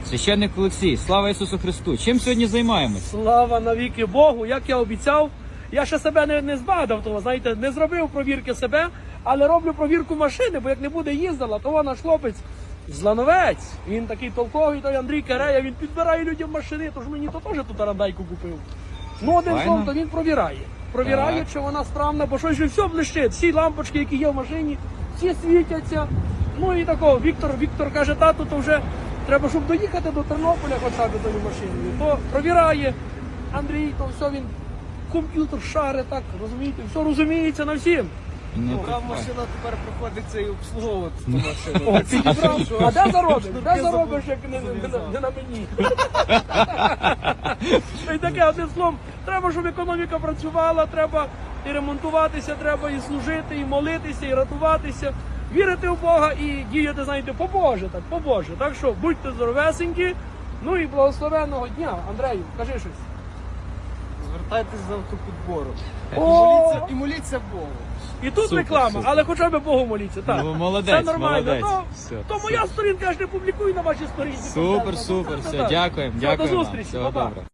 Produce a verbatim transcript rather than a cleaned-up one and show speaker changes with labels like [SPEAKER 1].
[SPEAKER 1] Священник Олексій, слава Ісусу Христу! Чим сьогодні займаємось?
[SPEAKER 2] Слава навіки Богу, як я обіцяв. Я ще себе не, не збадав, того, знаєте, не зробив провірки себе, але роблю провірку машини, бо як не буде їздила, то наш хлопець Злановець, він такий толковий, той Андрій Карея, він підбирає людям машини, тож мені то теж тут арандайку купив. Ну, один
[SPEAKER 1] Файно.
[SPEAKER 2] словом, то він провіряє. Провіряє,
[SPEAKER 1] Так.
[SPEAKER 2] чи вона справна, бо щось же все блищить, всі лампочки, які є в машині, всі світяться. Ну і такого, Віктор, Віктор каже, тату, то вже треба, щоб доїхати до Тернополя хоча б тою машиною. То провіряє Андрій, то все він комп'ютер шари, так, розумієте, все розуміється на всім.
[SPEAKER 1] Ну,
[SPEAKER 3] Така
[SPEAKER 1] так,
[SPEAKER 3] машина тепер приходиться і обслуговувати ту машину.
[SPEAKER 2] О,
[SPEAKER 3] Так що-
[SPEAKER 2] підібрав.
[SPEAKER 3] що-
[SPEAKER 2] А де заробиш?
[SPEAKER 3] що
[SPEAKER 2] Де
[SPEAKER 3] ти
[SPEAKER 2] заробиш,
[SPEAKER 3] забув?
[SPEAKER 2] як не, не, не,
[SPEAKER 3] Зав'язав.
[SPEAKER 2] не на мені? І таке, одним словом, треба, щоб економіка працювала, треба і ремонтуватися, треба і служити, і молитися, і рятуватися, вірити в Бога і діяти, знаєте, по-боже, так, по-боже. Так що будьте здоровесенькі, ну і благословенного дня. Андрею, кажи щось.
[SPEAKER 3] Звертайтесь за автопідбору. І
[SPEAKER 2] О!
[SPEAKER 3] моліться, і моліться Богу.
[SPEAKER 2] І тут
[SPEAKER 1] Супер,
[SPEAKER 2] реклама,
[SPEAKER 1] супер.
[SPEAKER 2] але хоча б Богу моліться. Так.
[SPEAKER 1] Ну, молодець,
[SPEAKER 2] Все нормально.
[SPEAKER 1] молодець.
[SPEAKER 2] То,
[SPEAKER 1] Все,
[SPEAKER 2] то
[SPEAKER 1] все.
[SPEAKER 2] моя сторінка, я ж не публікую на вашій сторінці.
[SPEAKER 1] Супер, супер, все, дякуємо,
[SPEAKER 2] Все, до
[SPEAKER 1] дякуємо вам.
[SPEAKER 2] зустрічі,
[SPEAKER 1] Всього
[SPEAKER 2] па-па.
[SPEAKER 1] добре.